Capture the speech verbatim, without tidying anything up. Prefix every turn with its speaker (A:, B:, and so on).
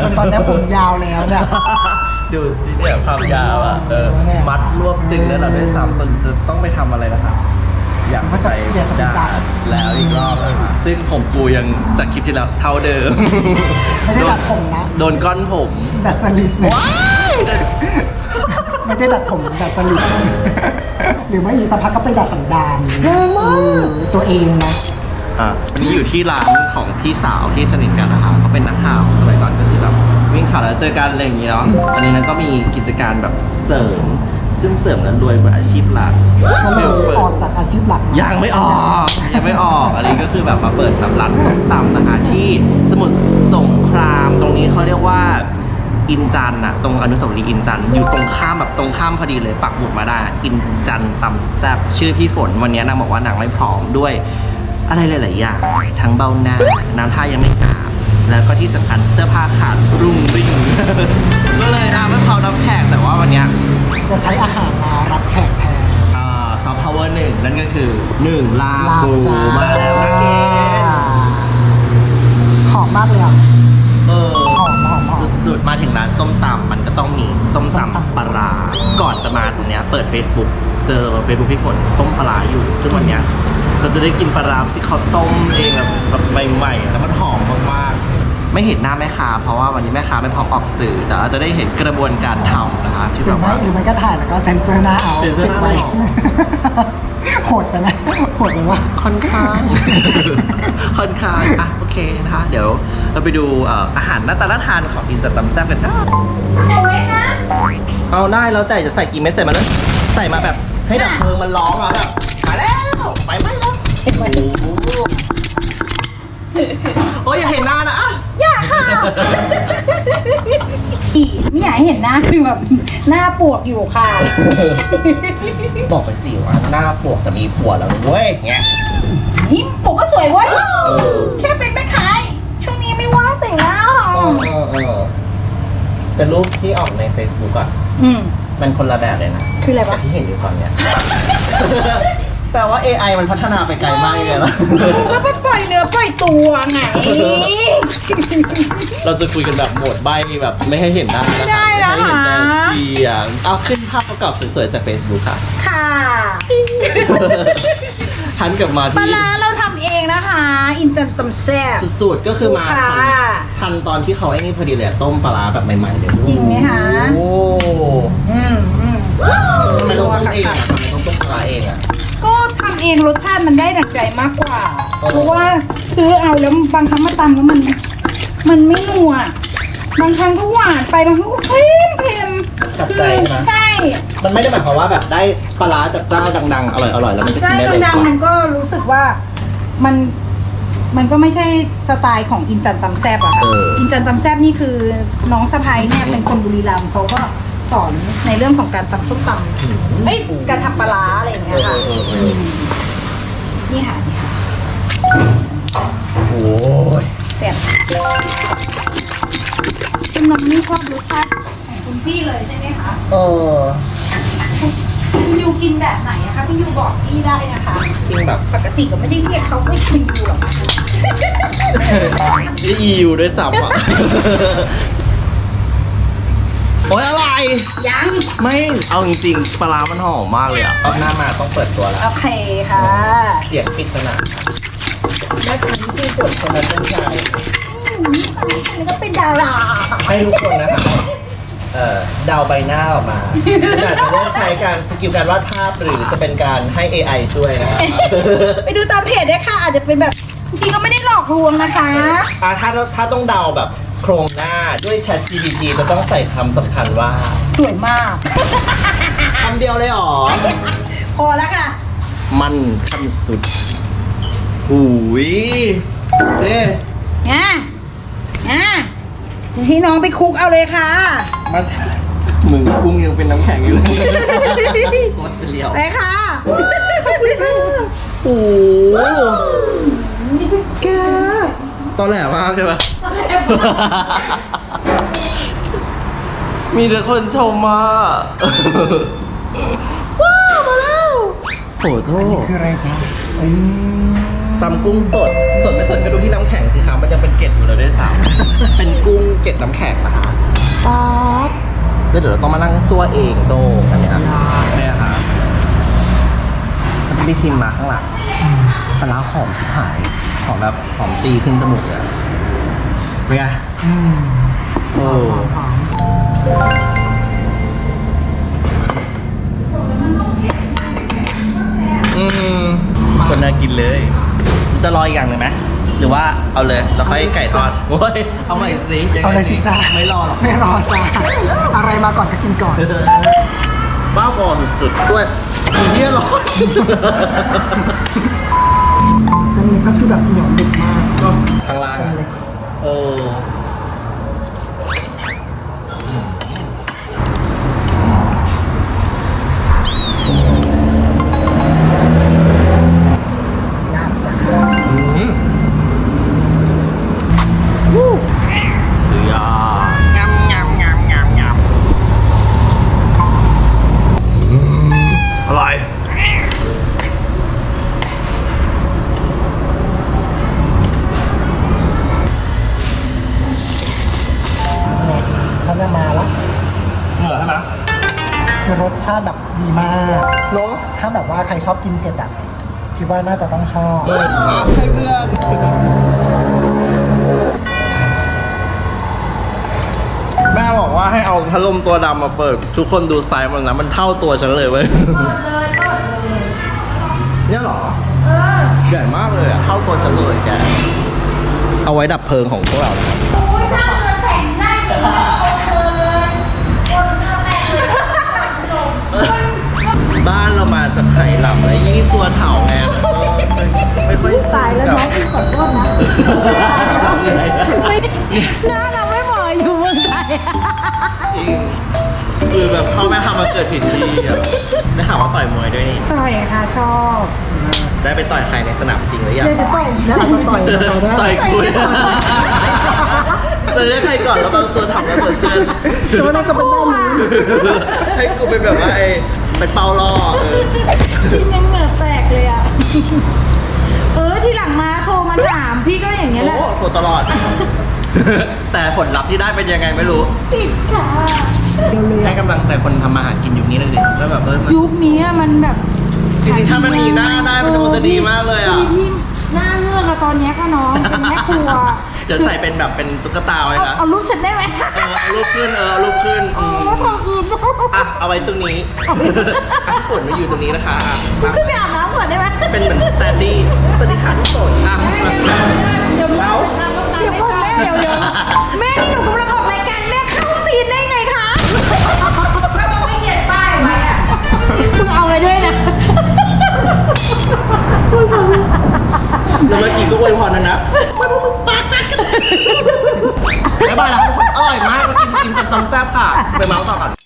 A: นตอนนี้ผมยาวแล้วเนี่ย
B: ดูสิเนี่ยความยาวอ่ะเออมัดรวบตึงแล้วเราได้ซ้ำจนจะต้องไปทำอะไรนะครับอยากไปด่าแล้วอีกรอบนะคะซึ่งผมปูยังจากคลิปที่แล้วเท่าเดิม
A: ไม่ได้ดัดผมนะ
B: โดนก้อนผม
A: ดัดจริตไม่ได้ดัดผมดัดจริตหรือไม่อีกสักพักก็ไปดัดสันดานตัวเองนะ
B: อ่ะนี่อยู่ที่ร้านของพี่สาวที่สนิทกันนะคะเขาเป็นนักข่าวสมัยก่อนก็คือแบบวิ่งข่าวแล้วเจอกันอะไรอย่างนี้เนาะอันนี้นั้นก็มีกิจการแบบเสริมซึ่งเสริมนั้นรวยกว่าอาชีพหลัก
A: ก็เลยออกจากอาชีพหลัก
B: ยังไม่ออกยังไม่ออกอันนี้ก็คือแบบมาเปิดแบบร้านส้มตำนะคะที่สมุทรสงครามตรงนี้เขาเรียกว่าอินจันอะตรงอนุสาวรีย์อินจันอยู่ตรงข้ามแบบตรงข้ามพอดีเลยปักหมุดมาได้อินจันตำแซ่บชื่อพี่ฝนวันนี้นางบอกว่านางไม่พร้อมด้วยอะไรหลายๆอย่างทั้งเบ้าหน้าน้ำท่ายังไม่อาบแล้วก็ที่สำคัญเสื้อผ้าขาดรุ่งริ่งก็เลยอ่ะไม่พร้อมรับแขกแต่ว่าวันนี้
A: จะใช้อาหารมารับแขกแทน
B: อ่าซอฟต์พาวเวอร์หนึ่งนั่นก็คือหนึ่งลาบูมาแล้วนะเก
A: หอมมากเลยอ่ะ
B: เออ
A: หอมหอมหอม
B: สุดๆมาถึงร้านส้มตำมันก็ต้องมีส้มตำปลาร้าก่อนจะมาตรงเนี้ยเปิด Facebook เจอ Facebook พี่ฝนต้มปลาร้าอยู่ซึ่งวันเนี้ยเราจะได้กินปลาร้าที่เขาต้มเองแบบใหม่ๆแล้วมันหอมมากๆไม่เห็นหน้าแม่ค้าเพราะว่าวันนี้แม่ค้าไม่พร้อมออกสื่อแต่เราจะได้เห็นกระบวนการทำนะคะที่แบบว่า
A: หรือไม่ก็ถ่ายแล้วก็เซ็นเซอร์หน้าเอา
B: เก็บไว้
A: โหดไปไหมโหดไปวะ
B: ค่อนข้างค่อนข้างอ่ะโอเคนะคะเดี๋ยวเราไปดูอาหารหน้าตาน่าทานของอินจัดตำแซ่บกันนะ
C: ใส่ไหมคะ
B: เอาได้แล้วแต่จะใส่กี่เม็ดใส่มาเลยใส่มาแบบให้ดับเพลิงมันร้องอ่ะแบบมาแล้วไปไหมแล้วโอ้ยอย่าเห็นหน้านะอ่ะ
C: อย่าค่ะอีไม่อยากให้เห็นหน้าคือแบบหน้าปวกอยู่ค่ะ
B: บอกไปสิว่าหน้าปวกแต่มีผัวแล้วเว้ยเงี้ย
C: นี่ปวกก็สวยเว้ยแค่เป็นแม่ค้าช่วงนี้ไม่ว่างแต่งหน้าค่ะ
B: เป็นรูปที่ออกใน Facebook อ่ะมันคนละแบบเลยนะ
C: คืออะไรวะ
B: ที่เห็นอยู่ตอนเนี้ยแปลว่า เอ ไอ มันพัฒนาไปไกลมากเลยนะ
C: ก็ไปปล่อยเนื้อปล่อยตัวไง
B: เราจะคุยกันแบบโหมดใบแบบไม่ให้เห็นหน้านะคะ
C: ได้แล้ว
B: ค่ะไม่เห็นแต่เสียงเอาขึ้นภาพประกอบสวยๆจาก Facebook ค่ะ
C: ค่ะ
B: ทันกลับมาที่
C: ปลาร้าเราทำเองนะคะอินจันตำแซ่บ
B: สุดๆก็คือมาทันทันตอนที่เขาไอ้นี่พอดีเลยต้มปลาร้าแบบใหม่ๆเลย
C: จริงไหมคะ
B: โอ้
C: อืมอืม
B: ทำไมต้องต้มเองอ่ะทำไมต้องต้มปลาร้าเองอ่ะ
C: ก็ทำเองรสชาติมันได้ดั่งใจมากกว่าเพราะว่าซื้อเอาแล้วบางครั้งมาตำแล้วมันมันไม่นัวบางครั้งก็หวานไปบางครั้งก็เค็มเค็ม
B: คือ
C: ใช่
B: มันไม่ได้หมายความว่าแบบได้ปลาร้าจากเจ้าดังๆอร่อยๆแล้วมันจะกินได้
C: เลยดังๆมันก็รู้สึกว่ามันมันก็ไม่ใช่สไตล์ของอินจันตำแซ่บอะค่ะอินจันตำแซ่บนี่คือน้องสะพ้ายเนี่ยเป็นคนบุรีรัมย์เขาก็สอนในเรื่องของการตำส้มตำเอ้ยการทำปลาร้าอะไรอย่างเงี้ยค่ะนี่ค่ะนี่ค่ะ
B: โอ้ย
C: แซ่บคุณน้องนี่ชอบรสชาติของคุณพี่เลยใช่ไหมคะ
B: เออ
C: คุณยูกินแบบไหนอะคะคุณยูบอกพี่ได้นะคะ
B: กินแบบ
C: ปกติก็ไม่ได้เรียกเขาว่าคุณยูหรอก
B: นี่ยูด้วยซ้ำอ่ะโอ๊ยอะไร
C: ยัง
B: ไม่เอาจริงๆปลาร้ามันหอมมากเลยอ่ะเอาหน้ามาต้องเปิดตัวแล้ว
C: โอเคค่ะ
B: เสียงปริศนาแม่ค้าที่ชื่อฝนคนนั้นเป็นใคร
C: นี่ก็เป็นดารา
B: ให้ทุกคนนะคะเอ่อเดาใบหน้าออกมาอาจจะได้ใช้การสกิลการวาดภาพหรือจะเป็นการให้ เอ ไอ ช่วยนะครับ
C: ไปดูตามเพจได้ค่ะอาจจะเป็นแบบจริงๆก็ไม่ได้หลอกลวงนะคะ
B: อ่าถ้าถ้าต้องเดาแบบโครงหน้าด้วย Chat จี พี ที จะต้องใส่คำสำคัญว่า
C: สวยมาก
B: คำเดียวเลยหรอ
C: พอแล้วค่ะ
B: มันขั้นสุดหูยเด้
C: อ่ะอ่ะที่น้องไปคุกเอาเลยค่ะ
B: มันมึงกุ้งยังเป็นน้ำแข็งอยู่เลยมันจะเลี้ยว
C: ไปค่ะ
B: โอ้แกตอนแหลมากใช่ปะมีแต่คนชมมาว้าวมาแล้วผโจ้
A: คืออะไรจ๊ะอืม
B: ตำกุ้งสด สดไม่สดก็ดูที่น้ำแข็งสิครับมันยังเป็นเกล็ดอยู่เลยด้วยซ้ำ เป็นกุ้งเกล็ดน้ำแข็งนะคะ
A: ป๊าบ
B: แล้วเดี๋ยวเราต้องมานั่งซั่วเองโจ้กันเนี่ยเนี่ยค่ะมันจะมีชิมมาข้างหลังปลาร้าหอมชิบหาย หอมแบบหอมตีขึ้นจมูกเลยเป็นไง
A: อืม
B: โอ้
A: หอม
B: อืมคนน่ากินเลย จะรออีกอย่างหนึ่งไหมหรือว่าเอาเลยเราค่อยไก่ทอดโอ้ยเอาใหม่สิงไง
A: เอาเลยสิจ้า
B: ไม่รอหรอก
A: ไม่รอจ้าอะไรมาก่อนก็กินก่อน
B: บ้าบอสุดๆด้วยอีเหี้ยร้อน
A: เส้นนี้ก็คือแบบเหนียวดึกมาก
B: ข้างล่าง
A: เส้น
B: อะ
A: เล็ก
B: เออ
A: งามจ้า
B: อืมวู้เดือยำงำงำงำงำอืมอร่อย
A: เนี่ยฉันจะมาละ
B: เหนื่อยใช่ไหม
A: คือรสชาติแบบดีมาก
B: เนาะ
A: ถ้าแบบว่าใครชอบกินเผ็ดอ่ะคิดว่าน่าจะต้องชอบ
B: เออให้เพื่อนแม่บอกว่าให้เอาพัดลมตัวดำมาเปิด ทุกคนดูไซส์มันนะมันเท่าตัวฉันเลยเว้ยเนี่ยเหรอ เออ ใหญ่มากเลยอ่ะ เท่าตัวฉันเลยแก เอาไว้ดับเพลิงของพวกเรานะครับ
D: โอ้ยนั่งเรือแข่งได้เลยโอ้เลยคนข้างแรกเลย
B: บ้านเรามาจากไหหลำและยี่สัวเถาไงไม่ค่อย
C: ตายแล้วน้องพี่ขอโทษนะ ไม่ได้หน้าเราไม่เหมาะอยู่เมืองไทย
B: จริง คือแบบพ่อแม่ทำมาเกิดผิดที่อ่ะได้ข่าวว่าต่อยมวยด้วยนี่
C: ต่อยค่ะชอบ
B: ได้ไปต่อยใครในสนามจริงหรือยัง
C: เดี๋ยวจะต่อย
A: แล้วอาจจะต่อยเราได้
B: ต่อยกูจะเรียกใครก่อนแล้วบางส่วนทำแล้วส่วนเจน
A: ฉันว่าน่าจะเป็นด้านนู้น
B: ให้กูเป็นแบบว่าไอ้เป็นเปาล่อเออ
C: พี่ยังเหงื่อแตกเลยอ่ะ เออทีหลังมาโทรมาถามพี่ก็อย่างเงี้ยแหละ
B: โอ้โหตลอด แต่ผลลัพธ์ที่ได้เป็นยังไงไม่รู้
C: ติดค่ะ
B: ให้กำลังใจคนทำมาหากินยุคนี้เลยดิแล้วแบบเออมัน
C: ยุคนี้อะมันแบบ
B: จริงๆถ้ามันมีหน้าได้มันคงจะดีมากเลยอ่ะ
C: พี่หน้าเงือกอะตอนเนี้ยค่ะน้องเป็นแม่ครัว
B: เดี๋ยวใส่เป็นแบบเป็นตุ๊กตาไว้
C: เอา
B: นะ
C: เอารูปฉันได้ไหม
B: เออเอารูปขึ้นเออเอารูปขึ้นอืม
C: ทำอิน
B: อ่ะเอาไว้ตรงนี้อ่ะฝนมาอยู่ตรงนี้นะคะอ่ะอ่ะ
C: ขึ้นไปอาบน้ำก่อนได้ไหม
B: เป็นเหมือนสแตนดี้สวัสดีค่ะทุกคนอ่ะมา
C: เดี๋ยว
B: แล้ว
C: เดี๋ยวก่อนแม่เดี๋ยวเดี๋ยวแม่นี่หนูกำลังออกรายการแม่เข้าซีนได้ไงคะ
D: ก็มันไม่เขียนป้ายไว้อะ
C: มึงเอาไว้ด้วยนะ
B: แล้วเมื่อกี้ก็อวยพรนะนะบ๊ายบายแล้วทุกคนอร่อยมากมากินกินกับตำแซ่บค่ะ ไปเมาส์ต่อก่อน